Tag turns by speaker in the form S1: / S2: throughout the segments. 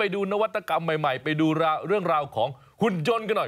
S1: ดูนวัตกรรมใหม่ๆไปดูเรื่องราวของหุ่นยนต์กันหน่อย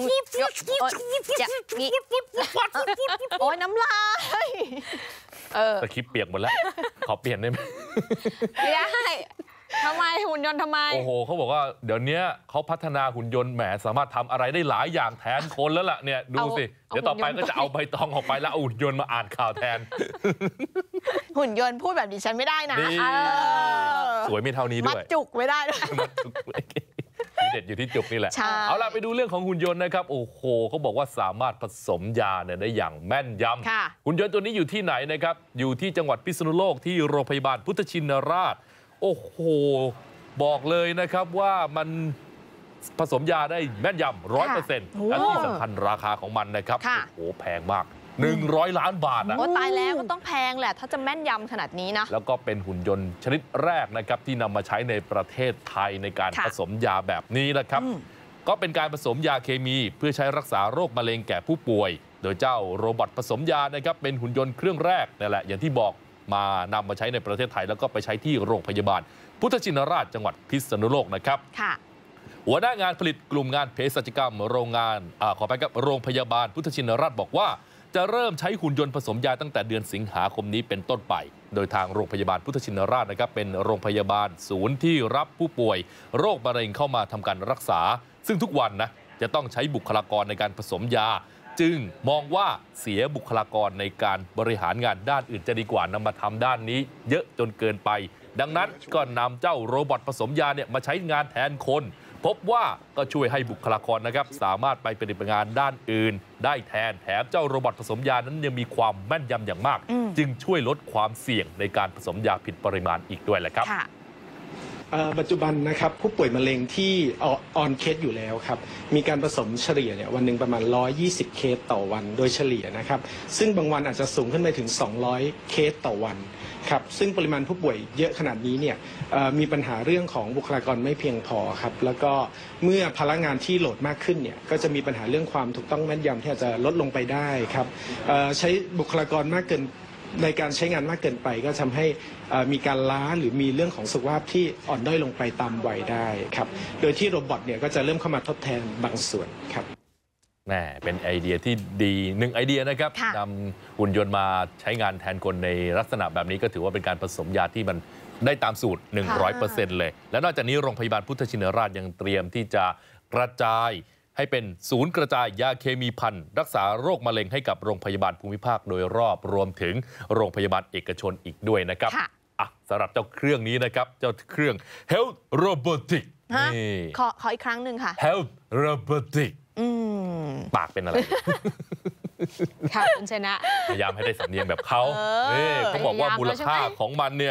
S2: โอ้ยน้ำลาย
S1: สคริปต์เปียกหมดแล้วขอเปลี่ยนได้ไหม
S2: ไม่ได้ทำไมหุ่นยนต์ทำไม
S1: โอ้โหเขาบอกว่าเดี๋ยวนี้เขาพัฒนาหุ่นยนต์แหมสามารถทำอะไรได้หลายอย่างแทนคนแล้วล่ะเนี่ยดูสิเดี๋ยวต่อไปก็จะเอาใบตองออกไปแล้วเอาหุ่นยนต์มาอ่านข่าวแทน
S2: หุ่นยนต์พูดแบบดิฉันไม่ได้นะ
S1: สวยไม่เท่านี้ด้วย
S2: มัดจุกไม่ได้ด้วย
S1: มัดจุกเด็ดอยู่ที่จุกนี่แหละเอาล่ะไปดูเรื่องของหุ่นยนต์นะครับโอ้โหเขาบอกว่าสามารถผสมยาเนี่ยได้อย่างแม่นยำหุ่นยนต์ตัวนี้อยู่ที่ไหนนะครับอยู่ที่จังหวัดพิษณุโลกที่โรงพยาบาลพุทธชินราชโอ้โหบอกเลยนะครับว่ามันผสมยาได้แม่นยำ100%และที่สำคัญราคาของมันนะครับโอ้โหแพงมาก100 ล้านบาทนะ
S2: โอ้ตายแล้วก็ต้องแพงแหละถ้าจะแม่นยำขนาดนี้นะ
S1: แล้วก็เป็นหุ่นยนต์ชนิดแรกนะครับที่นำมาใช้ในประเทศไทยในการผสมยาแบบนี้นะครับก็เป็นการผสมยาเคมีเพื่อใช้รักษาโรคมะเร็งแก่ผู้ป่วยโดยเจ้าโรบอทผสมยานะครับเป็นหุ่นยนต์เครื่องแรกนั่นแหละอย่างที่บอกมานำมาใช้ในประเทศไทยแล้วก็ไปใช้ที่โรงพยาบาลพุทธชินราชจังหวัดพิษณุโลกนะครับหัวหน้างานผลิตกลุ่มงานเภสัชกรรมโรงพยาบาลพุทธชินราชบอกว่าจะเริ่มใช้หุ่นยนต์ผสมยาตั้งแต่เดือนสิงหาคมนี้เป็นต้นไปโดยทางโรงพยาบาลพุทธชินราชนะครับเป็นโรงพยาบาลศูนย์ที่รับผู้ป่วยโรคมะเร็งเข้ามาทำการรักษาซึ่งทุกวันนะจะต้องใช้บุคลากรในการผสมยาจึงมองว่าเสียบุคลากรในการบริหารงานด้านอื่นจะดีกว่านำมาทำด้านนี้เยอะจนเกินไปดังนั้นก็นำเจ้าโรบอทผสมยาเนี่ยมาใช้งานแทนคนพบว่าก็ช่วยให้บุคลากรนะครับสามารถไปปฏิบัติงานด้านอื่นได้แทนแถมเจ้าโรบอทผสมยานั้นยังมีความแม่นยำอย่างมากจึงช่วยลดความเสี่ยงในการผสมยาผิดปริมาณอีกด้วยแหละครับ
S3: ปัจจุบันนะครับผู้ป่วยมะเร็งที่ออนเคสอยู่แล้วครับมีการผสมเฉลี่ยเนี่ยวันหนึ่งประมาณ120เคสต่อวันโดยเฉลี่ยนะครับซึ่งบางวันอาจจะสูงขึ้นไปถึง200เคสต่อวันครับซึ่งปริมาณผู้ป่วยเยอะขนาดนี้เนี่ยมีปัญหาเรื่องของบุคลากรไม่เพียงพอครับแล้วก็เมื่อพลังงานที่โหลดมากขึ้นเนี่ยก็จะมีปัญหาเรื่องความถูกต้องแม่นยำที่อาจจะลดลงไปได้ครับใช้บุคลากรมากเกินในการใช้งานมากเกินไปก็ทำให้มีการล้าหรือมีเรื่องของสุขภาพที่อ่อนด้อยลงไปตามวัยได้ครับโดยที่โรบอทเนี่ยก็จะเริ่มเข้ามาทดแทนบางส่วนครับ
S1: แหมเป็นไอเดียที่ดี1ไอเดียนะครับนำหุ่นยนต์มาใช้งานแทนคนในลักษณะแบบนี้ก็ถือว่าเป็นการผสมยาที่มันได้ตามสูตร 100% เลยและนอกจากนี้โรงพยาบาลพุทธชินราชยังเตรียมที่จะกระจายให้เป็นศูนย์กระจายยาเคมีภัณฑ์รักษาโรคมะเร็งให้กับโรงพยาบาลภูมิภาคโดยรอบรวมถึงโรงพยาบาลเอกชนอีกด้วยนะครับสำหรับเจ้าเครื่องนี้นะครับเจ้าเครื่อง Health Robotic
S2: ขออีกครั้งหนึ่งค่ะ
S1: Health Robotic ปากเป็นอะไร
S2: ค่ะคุณชนะ
S1: พยายามให้ได้สำเนียงแบบเขาเขาบอกว่ามูลค่าของมันเนี่ย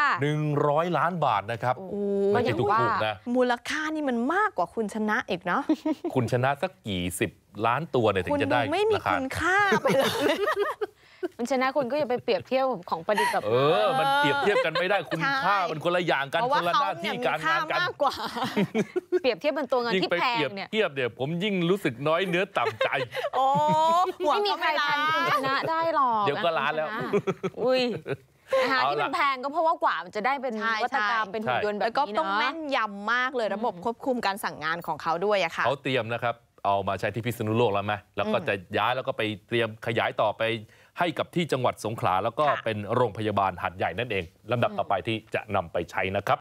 S1: 100 ล้านบาทนะครับไม่ใช่ถูกนะ
S2: มูลค่านี่มันมากกว่าคุณชนะอีกเนาะ
S1: คุณชนะสักกี่10 ล้านตัวเนี่ยถึงจะได้
S2: ไม่มีคุณค่าไปเลยคุณชนะคุณก็อย่าไปเปรียบเทียบของประดิษฐ์แบบ
S1: มันเปรียบเทียบกันไม่ได้คุณค่ามันคนละอย่างกันคนละหน้าที่การงานกัน
S2: มากกว่าเปรียบเทียบเป็นตัวเงินที่แพง
S1: เนี่ยเทียบเนี่ยผมยิ่งรู้สึกน้อยเนื้อต่ำใจ
S2: ไม่มีใครทันคุณชนะได้หรอก
S1: เดี๋ยวก็ล้านแล้ว
S2: อุ้ยที่มันแพงก็เพราะว่ากว่ามันจะได้เป็นวัตกรรมเป็นหุ่นยนต์แบบนี้เนาะแล้วก็ต้องแม่นยำมากเลยระบบควบคุมการสั่งงานของเขาด้วยอะค่ะ
S1: เขาเตรียมนะครับเอามาใช้ที่พิษณุโลกแล้วไหมแล้วก็จะย้ายแล้วก็ไปเตรียมขยายต่อไปให้กับที่จังหวัดสงขลาแล้วก็เป็นโรงพยาบาลหาดใหญ่นั่นเองลำดับต่อไปที่จะนำไปใช้นะครับ